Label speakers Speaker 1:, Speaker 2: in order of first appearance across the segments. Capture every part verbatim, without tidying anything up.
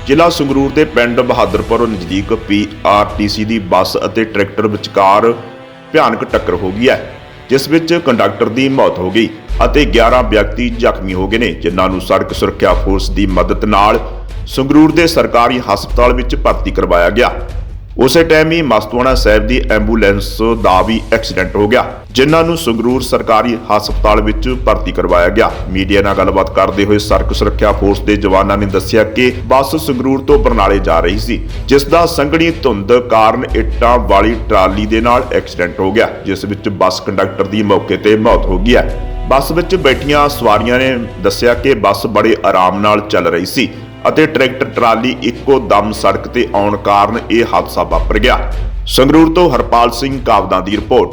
Speaker 1: ਜ਼ਿਲ੍ਹਾ ਸੰਗਰੂਰ ਦੇ ਪਿੰਡ ਬਹਾਦਰਪੁਰ ਨਜ਼ਦੀਕ ਪੀ ਆਰ ਟੀ ਸੀ ਦੀ ਬੱਸ ਅਤੇ ਟਰੈਕਟਰ ਵਿਚਕਾਰ ਭਿਆਨਕ ਟੱਕਰ ਹੋ ਗਈ ਹੈ, ਜਿਸ ਵਿੱਚ ਕੰਡਕਟਰ ਦੀ ਮੌਤ ਹੋ ਗਈ ਅਤੇ ਗਿਆਰਾਂ ਵਿਅਕਤੀ ਜ਼ਖਮੀ ਹੋ ਗਏ ਨੇ, ਜਿਨ੍ਹਾਂ ਨੂੰ ਸੜਕ ਸੁਰੱਖਿਆ ਫੋਰਸ ਦੀ ਮਦਦ ਨਾਲ ਸੰਗਰੂਰ ਦੇ ਸਰਕਾਰੀ ਹਸਪਤਾਲ ਵਿੱਚ ਭਰਤੀ ਕਰਵਾਇਆ ਗਿਆ। ਉਸੇ ਟਾਈਮ ਹੀ ਮਸਤੂਆਣਾ ਸਾਹਿਬ ਦੀ ਐਂਬੂਲੈਂਸ ਦਾ ਵੀ ਐਕਸੀਡੈਂਟ ਹੋ ਗਿਆ, ਜਿਨ੍ਹਾਂ ਨੂੰ ਸੰਗਰੂਰ ਸਰਕਾਰੀ ਹਸਪਤਾਲ ਵਿੱਚ ਭਰਤੀ ਕਰਵਾਇਆ ਗਿਆ। ਮੀਡੀਆ ਨਾਲ ਗੱਲਬਾਤ ਕਰਦੇ ਹੋਏ ਸੜਕ ਸੁਰੱਖਿਆ ਫੋਰਸ ਦੇ ਜਵਾਨਾਂ ਨੇ ਦੱਸਿਆ ਕਿ ਬੱਸ ਸੰਗਰੂਰ ਤੋਂ ਬਰਨਾਲੇ ਜਾ ਰਹੀ ਸੀ, ਜਿਸ ਦਾ ਸੰਘਣੀ ਧੁੰਦ ਕਾਰਨ ਇੱਟਾਂ ਵਾਲੀ ਟਰਾਲੀ ਦੇ ਨਾਲ ਐਕਸੀਡੈਂਟ ਹੋ ਗਿਆ, ਜਿਸ ਵਿੱਚ ਬੱਸ ਕੰਡਕਟਰ ਦੀ ਮੌਕੇ ਤੇ ਮੌਤ ਹੋ ਗਈ ਹੈ। ਬੱਸ ਵਿੱਚ ਬੈਠੀਆਂ ਸਵਾਰੀਆਂ ਨੇ ਦੱਸਿਆ ਕਿ ਬੱਸ ਬੜੇ ਆਰਾਮ ਨਾਲ ਚੱਲ ਰਹੀ ਸੀ ਅਤੇ ਟਰੈਕਟਰ ਟਰਾਲੀ ਇੱਕੋ ਦਮ ਸੜਕ ਤੇ ਆਉਣ ਕਾਰਨ ਇਹ ਹਾਦਸਾ ਵਾਪਰ ਗਿਆ। ਸੰਗਰੂਰ ਤੋਂ ਹਰਪਾਲ ਸਿੰਘ ਕਾਵਦਾਂ ਦੀ ਰਿਪੋਰਟ।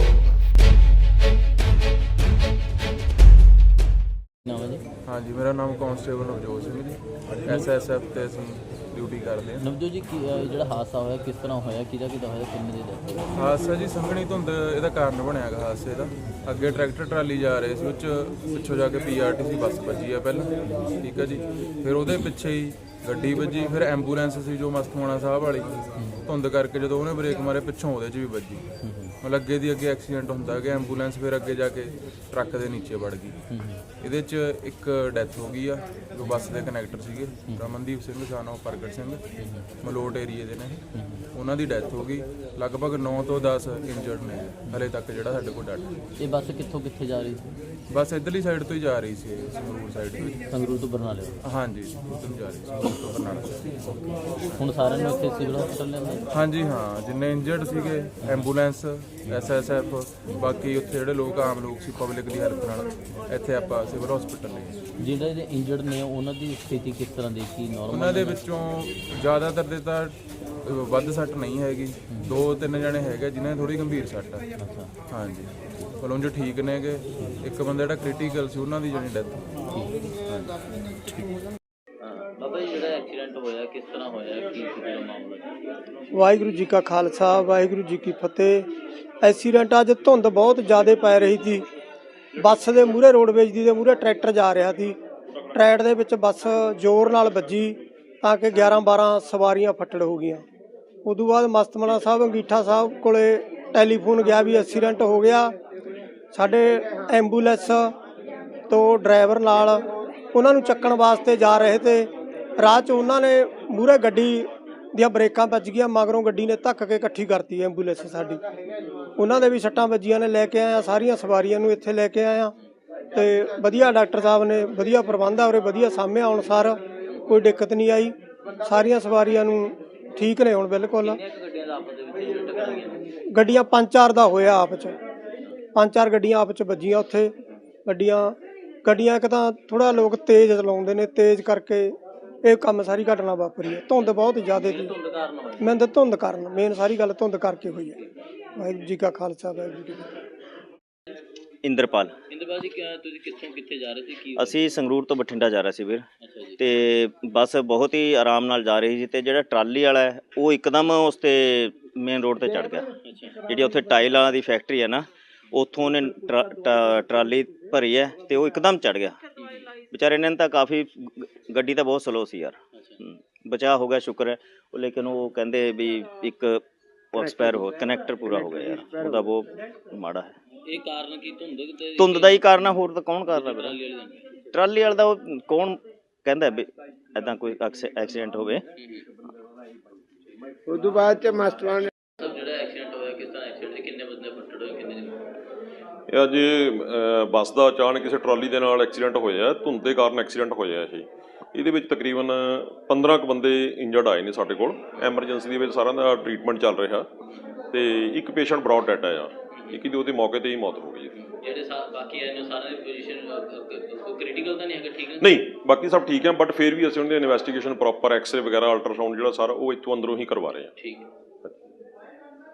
Speaker 2: हाँ जी, मेरा नाम constable Navjot Singh ji, S S F ਤੇ ਅਸੀਂ ਡਿਊਟੀ ਕਰਦੇ ਹਾਂ।
Speaker 3: ਨਵਜੋਤ ਜੀ ਕੀ ਜਿਹੜਾ ਹਾਦਸਾ ਹੋਇਆ ਕਿਸ ਤਰ੍ਹਾਂ ਹੋਇਆ, ਕਿਹਦਾ ਕਿਹਦਾ ਹੋਇਆ, ਕਿੰਨੇ ਦੇ ਦੱਸੋ।
Speaker 2: ਹਾਦਸਾ ਜੀ ਸੰਘਣੀ ਧੁੰਦ ਇਹਦਾ ਕਾਰਨ ਬਣਿਆ ਗਾ ਹਾਦਸੇ ਦਾ। ਅੱਗੇ ਟਰੈਕਟਰ ਟਰਾਲੀ ਜਾ ਰਹੇ ਸੀ, ਉਹ 'ਚ ਪਿੱਛੋਂ ਜਾ ਕੇ ਪੀ ਆਰ ਟੀ ਸੀ ਬੱਸ ਵੱਜੀ ਆ ਪਹਿਲਾਂ, ਠੀਕ ਹੈ ਜੀ। ਫਿਰ ਉਹਦੇ ਪਿੱਛੇ ਹੀ ਗੱਡੀ ਵੱਜੀ, ਫਿਰ ਐਂਬੂਲੈਂਸ ਸੀ ਜੋ ਮਸਤੂਆਣਾ ਸਾਹਿਬ ਵਾਲੀ, ਧੁੰਦ ਕਰਕੇ ਜਦੋਂ ਉਹਨੇ ਬ੍ਰੇਕ ਮਾਰੇ ਪਿੱਛੋਂ ਉਹਦੇ 'ਚ ਵੀ ਵੱਜੀ। ਮਤਲਬ ਅੱਗੇ ਦੀ ਅੱਗੇ ਐਕਸੀਡੈਂਟ ਹੁੰਦਾ ਕਿ ਐਂਬੂਲੈਂਸ ਫਿਰ ਅੱਗੇ ਜਾ ਕੇ ਟਰੱਕ ਦੇ ਨੀਚੇ ਵੜ ਗਈ। ਇਹਦੇ 'ਚ ਇੱਕ ਡੈਥ ਹੋ ਗਈ ਆ, ਜੋ ਬੱਸ ਦੇ ਕਨੈਕਟਰ ਸੀਗੇ, ਰਮਨਦੀਪ ਸਿੰਘ ਸਾਨੋ ਪ੍ਰਗਟ ਸਿੰਘ, ਮਲੋਟ ਏਰੀਏ ਦੇ ਨੇ, ਉਹਨਾਂ ਦੀ ਡੈਥ ਹੋ ਗਈ। ਲਗਭਗ ਨੌ ਤੋਂ ਦਸ ਇੰਜਰਡ ਨੇ ਹਲੇ ਤੱਕ ਜਿਹੜਾ ਸਾਡੇ ਕੋਲ ਡਾਟਾ।
Speaker 3: ਇਹ ਬੱਸ ਕਿੱਥੋਂ ਕਿੱਥੇ ਜਾ ਰਹੀ ਸੀ?
Speaker 2: ਬੱਸ ਇੱਧਰਲੀ ਸਾਈਡ ਤੋਂ ਹੀ ਜਾ ਰਹੀ ਸੀ, ਸੰਗਰੂਰ ਸਾਈਡ ਤੋਂ ਹੀ।
Speaker 3: ਸੰਗਰੂਰ ਤੋਂ ਬਰਨਾਲੇ?
Speaker 2: ਹਾਂਜੀ, ਉੱਧਰ ਨੂੰ ਜਾ ਰਹੀ ਸੀ, ਸੰਗਰੂਰ ਤੋਂ ਬਰਨਾਲਾ।
Speaker 3: ਹੁਣ ਸਾਰਿਆਂ ਨੂੰ ਇੱਥੇ ਸਿਵਲ ਹਸਪਤਾਲ ਲਿਆਂਦਾ?
Speaker 2: ਹਾਂਜੀ ਹਾਂ, ਜਿੰਨੇ ਇੰਜਰਡ ਸੀਗੇ, ਐਂਬੂਲੈਂਸ, ਐਸ ਐਸ ਐਫ, ਬਾਕੀ ਉੱਥੇ ਜਿਹੜੇ ਲੋਕ ਆਮ ਲੋਕ ਸੀ ਪਬਲਿਕ ਦੀ ਹੈਲਪ ਨਾਲ ਇੱਥੇ ਆਪਾਂ ਸਿਵਲ ਹਸਪੀਟਲ ਲਈ।
Speaker 3: ਜਿਹੜੇ ਜਿਹੜੇ ਇੰਜਰਡ ਨੇ ਉਹਨਾਂ ਦੀ ਸਥਿਤੀ ਕਿਸ ਤਰ੍ਹਾਂ ਦੀ, ਕੀ ਨਾਰਮਲ?
Speaker 2: ਉਹਨਾਂ ਦੇ ਵਿੱਚੋਂ ਜ਼ਿਆਦਾਤਰ ਦੇ ਤਾਂ ਵੱਧ ਸੱਟ ਨਹੀਂ ਹੈਗੀ, ਦੋ ਤਿੰਨ ਜਣੇ ਹੈਗੇ ਜਿਨ੍ਹਾਂ ਦੀ ਥੋੜੀ ਗੰਭੀਰ ਸੱਟ ਆ। ਹਾਂਜੀ, ਪਰ ਉਂਝ ਠੀਕ ਨੇਗੇ। ਇੱਕ ਬੰਦਾ ਜਿਹੜਾ ਕ੍ਰਿਟੀਕਲ ਸੀ ਉਹਨਾਂ ਦੀ ਜਿਹੜੀ ਡੈਥ।
Speaker 3: ਬਾਬਾ ਜੀ ਜਿਹੜਾ ਐਕਸੀਡੈਂਟ ਹੋਇਆ ਕਿਸ ਤਰ੍ਹਾਂ ਹੋਇਆ, ਕੀ ਸੀ ਮਾਮਲਾ?
Speaker 4: ਵਾਹਿਗੁਰੂ ਜੀ ਕਾ ਖਾਲਸਾ, ਵਾਹਿਗੁਰੂ ਜੀ ਕੀ ਫਤਿਹ। ਐਕਸੀਡੈਂਟ ਅੱਜ ਧੁੰਦ ਬਹੁਤ ਜ਼ਿਆਦਾ ਪੈ ਰਹੀ ਸੀ। ਬੱਸ ਦੇ ਮੂਹਰੇ ਰੋਡਵੇਜ ਦੀ ਦੇ ਮੂਹਰੇ ਟਰੈਕਟਰ ਜਾ ਰਿਹਾ ਸੀ। ਟਰੈਕ ਦੇ ਵਿੱਚ ਬੱਸ ਜ਼ੋਰ ਨਾਲ ਵੱਜੀ ਤਾਂ ਕਿ ਗਿਆਰਾਂ ਬਾਰਾਂ ਸਵਾਰੀਆਂ ਫੱਟੜ ਹੋ ਗਈਆਂ। ਉਦੋਂ ਬਾਅਦ ਮਸਤੂਆਣਾ ਸਾਹਿਬ ਅੰਗੀਠਾ ਸਾਹਿਬ ਕੋਲੇ ਟੈਲੀਫੋਨ ਗਿਆ ਵੀ ਐਕਸੀਡੈਂਟ ਹੋ ਗਿਆ। ਸਾਡੇ ਐਂਬੂਲੈਂਸ ਤੋਂ ਡਰਾਈਵਰ ਨਾਲ ਉਹਨਾਂ ਨੂੰ ਚੱਕਣ ਵਾਸਤੇ ਜਾ ਰਹੇ ਤੇ ਰਾਹ 'ਚ ਉਹਨਾਂ ਨੇ ਮੂਹਰੇ ਗੱਡੀ ਦੀਆਂ ਬ੍ਰੇਕਾਂ ਵੱਜ ਗਈਆਂ, ਮਗਰੋਂ ਗੱਡੀ ਨੇ ਧੱਕ ਕੇ ਇਕੱਠੀ ਕਰਤੀ ਐਂਬੂਲੈਂਸ ਸਾਡੀ। ਉਹਨਾਂ ਦੇ ਵੀ ਸੱਟਾਂ ਵੱਜੀਆਂ ਨੇ। ਲੈ ਕੇ ਆਇਆ ਸਾਰੀਆਂ ਸਵਾਰੀਆਂ ਨੂੰ, ਇੱਥੇ ਲੈ ਕੇ ਆਇਆ ਤੇ ਵਧੀਆ ਡਾਕਟਰ ਸਾਹਿਬ ਨੇ ਵਧੀਆ ਪ੍ਰਬੰਧ ਆ ਉਰੇ, ਵਧੀਆ ਸਾਂਭਿਆ। ਹੁਣ ਸਾਰ ਕੋਈ ਦਿੱਕਤ ਨਹੀਂ ਆਈ, ਸਾਰੀਆਂ ਸਵਾਰੀਆਂ ਨੂੰ ਠੀਕ ਨੇ ਹੁਣ ਬਿਲਕੁਲ। ਗੱਡੀਆਂ ਪੰਜ ਚਾਰ ਦਾ ਹੋਇਆ ਆਪ 'ਚ, ਪੰਜ ਚਾਰ ਗੱਡੀਆਂ ਆਪ 'ਚ ਵੱਜੀਆਂ ਉੱਥੇ। ਗੱਡੀਆਂ ਗੱਡੀਆਂ ਇੱਕ ਤਾਂ ਥੋੜ੍ਹਾ ਲੋਕ ਤੇਜ਼ ਚਲਾਉਂਦੇ ਨੇ, ਤੇਜ਼ ਕਰਕੇ ਇਹ ਕੰਮ ਸਾਰੀ ਘਟਨਾ ਵਾਪਰੀ ਹੈ। ਧੁੰਦ ਬਹੁਤ ਜ਼ਿਆਦਾ ਸੀ, ਮੈਨੂੰ ਤਾਂ ਧੁੰਦ ਕਾਰਨ ਮੇਨ ਸਾਰੀ ਗੱਲ ਧੁੰਦ ਕਰਕੇ ਹੋਈ ਹੈ। ਵਾਹਿਗੁਰੂ ਜੀ ਕਾ ਖਾਲਸਾ, ਵਾਹਿਗੁਰੂ ਜੀ ਕੀ ਫਤਿਹ।
Speaker 3: ਇੰਦਰਪਾਲ ਇੰਦਰਪਾਲ ਜੀ, ਤੁਸੀਂ ਕਿੱਥੋਂ ਕਿੱਥੇ ਜਾ ਰਹੇ ਸੀ? ਕੀ
Speaker 5: ਅਸੀਂ ਸੰਗਰੂਰ ਤੋਂ ਬਠਿੰਡਾ ਜਾ ਰਹੇ ਸੀ ਵੀਰ, ਤੇ ਬੱਸ ਬਹੁਤ ਹੀ ਆਰਾਮ ਨਾਲ ਜਾ ਰਹੀ ਸੀ ਤੇ ਜਿਹੜਾ ਟਰਾਲੀ ਵਾਲਾ ਹੈ ਉਹ ਇੱਕਦਮ ਉਸ ਤੇ ਮੇਨ ਰੋਡ ਤੇ ਚੜ ਗਿਆ। ਜਿਹੜੀ ਉੱਥੇ ਟਾਇਲ ਵਾਲਾ ਦੀ ਫੈਕਟਰੀ ਹੈ ਨਾ, ਉੱਥੋਂ ਉਹਨੇ ਟਰਾਲੀ ਭਰੀ ਹੈ ਤੇ ਉਹ ਇੱਕਦਮ ਚੜ ਗਿਆ। ਵਿਚਾਰੇ ਨੇ ਤਾਂ ਕਾਫੀ, ਗੱਡੀ ਤਾਂ ਬਹੁਤ ਸਲੋ ਸੀ ਯਾਰ, ਬਚਾਅ ਹੋ ਗਿਆ ਸ਼ੁਕਰ ਹੈ। ਉਹ ਲੇਕਿਨ ਉਹ ਕਹਿੰਦੇ ਵੀ ਇੱਕ ਐਕਸਪਾਇਰ ਹੋ, ਕਨੈਕਟਰ ਪੂਰਾ ਹੋ ਗਿਆ ਯਾਰ, ਉਹਦਾ ਬਹੁਤ ਮਾੜਾ ਹੈ।
Speaker 3: ਇਹ ਕਾਰਨ ਕੀ? ਧੁੰਦ ਤੇ
Speaker 5: ਧੁੰਦ ਦਾ ਹੀ ਕਾਰਨ ਆ, ਹੋਰ ਤਾਂ ਕੌਣ ਕਰਦਾ ਵੀਰ? ਟਰਾਲੀ ਵਾਲਾ ਦਾ ਉਹ ਕੌਣ ਕਹਿੰਦਾ ਵੀ ਇੱਦਾਂ ਕੋਈ ਐਕਸੀਡੈਂਟ ਹੋਵੇ।
Speaker 4: ਉਦੋਂ ਬਾਅਦ ਚ ਮਸਤੂਆਣਾ
Speaker 3: ਜਿਹੜਾ ਐਕਸੀਡੈਂਟ ਹੋਇਆ ਕਿਸ ਤਰ੍ਹਾਂ ਐਕਸੀਡੈਂਟ, ਕਿੰਨੇ ਬੰਦੇ ਫੱਟੜ ਹੋਏ, ਕਿੰਨੇ ਜਣੇ?
Speaker 6: ਇਹ ਅੱਜ ਬੱਸ ਦਾ ਅਚਾਨਕ ਕਿਸੇ ਟਰਾਲੀ ਦੇ ਨਾਲ ਐਕਸੀਡੈਂਟ ਹੋਇਆ, ਧੁੰਦ ਦੇ ਕਾਰਨ ਐਕਸੀਡੈਂਟ ਹੋਇਆ ਇਹ। ਇਹਦੇ ਵਿੱਚ ਤਕਰੀਬਨ ਪੰਦਰਾਂ ਕੁ ਬੰਦੇ ਇੰਜਰਡ ਆਏ ਨੇ ਸਾਡੇ ਕੋਲ। ਐਮਰਜੈਂਸੀ ਦੇ ਵਿੱਚ ਸਾਰਿਆਂ ਦਾ ਟ੍ਰੀਟਮੈਂਟ ਚੱਲ ਰਿਹਾ ਤੇ ਇੱਕ ਪੇਸ਼ੈਂਟ ਬਰੌਡ ਡੈਡ ਆਇਆ, ਇੱਕ ਦੀ ਉਹਦੇ ਮੌਕੇ ਤੇ ਹੀ ਮੌਤ ਹੋ ਗਈ।
Speaker 3: ਜਿਹੜੇ ਬਾਕੀ ਆਏ ਨੇ ਸਾਰਿਆਂ ਦੀ ਪੋਜੀਸ਼ਨ ਕ੍ਰਿਟੀਕਲ ਤਾਂ ਨਹੀਂ ਹੈਗਾ? ਠੀਕ ਹੈ,
Speaker 6: ਨਹੀਂ, ਬਾਕੀ ਸਭ ਠੀਕ ਹੈ, ਬਟ ਫਿਰ ਵੀ ਅਸੀਂ ਉਹਨਾਂ ਦੀ ਇਨਵੈਸਟੀਗੇਸ਼ਨ ਪ੍ਰੋਪਰ ਐਕਸਰੇ ਵਗੈਰਾ ਅਲਟਰਾਸਾਊਂਡ ਜਿਹੜਾ ਸਾਰਾ ਉਹ ਇੱਥੋਂ ਅੰਦਰੋਂ ਹੀ ਕਰਵਾ ਰਹੇ ਹਾਂ।
Speaker 3: ਠੀਕ ਹੈ।